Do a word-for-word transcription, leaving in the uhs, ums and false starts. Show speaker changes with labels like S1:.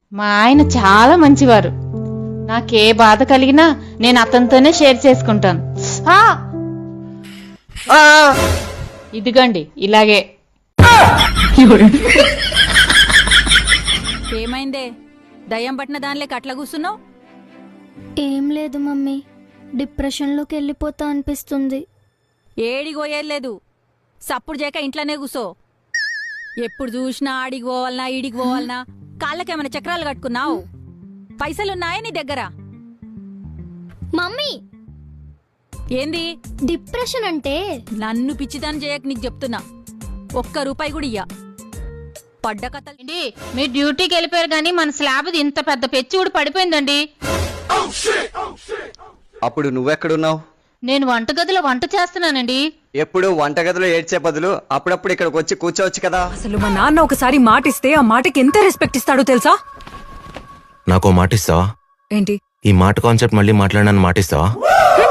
S1: మా ఆయన చాలా మంచివారు. నాకే బాధ కలిగినా నేను అతనితోనే షేర్ చేసుకుంటాను. ఆ! ఇదిగండి ఇలాగే.
S2: ఏమైందే దయ్యం పట్టిన దానిలోకి అట్లా కూర్చున్నావు?
S3: ఏం లేదు మమ్మీ, డిప్రెషన్లోకి వెళ్ళిపోతా అనిపిస్తుంది.
S2: ఏడికి పోయేది లేదు, సప్పుడు చేయక ఇంట్లోనే కూసో. ఎప్పుడు చూసినా ఆడికి పోవాలనా ఈడికి పోవాలనా? కాళ్ళకేమైనా చక్రాలు కట్టుకున్నావు? పైసలున్నాయా నీ దగ్గర?
S3: మమ్మీ,
S2: ఏంది
S3: డిప్రెషన్ అంటే?
S2: నన్ను పిచ్చిదాన్ని చేయక నీకు చెప్తున్నా, ఒక్క రూపాయి కూడా ఇయ్య. పడ్డ కథలు.
S1: ఏంటి మీరు డ్యూటీకి వెళ్ళిపోయారు కానీ మన స్లాబ్ ఇంత పెద్ద పెచ్చి కూడా పడిపోయిందండి.
S4: అప్పుడు నువ్వెక్కడున్నావు?
S1: నేను వంటగదిలో వంట చేస్తున్నానండి.
S4: ఎప్పుడు వంటగదిలో ఏడ్చే బదులు అప్పుడప్పుడు ఇక్కడికి వచ్చి కూర్చోవచ్చు కదా.
S5: అసలు మా నాన్న ఒకసారి మాట ఇస్తే ఆ మాటకి ఎంత రెస్పెక్ట్ ఇస్తాడో తెలుసా?
S6: నాకో మాట ఇస్తావా?
S5: ఏంటి?
S6: ఈ మాట కాన్సెప్ట్ మళ్ళీ మాట్లాడనని మాట ఇస్తావా?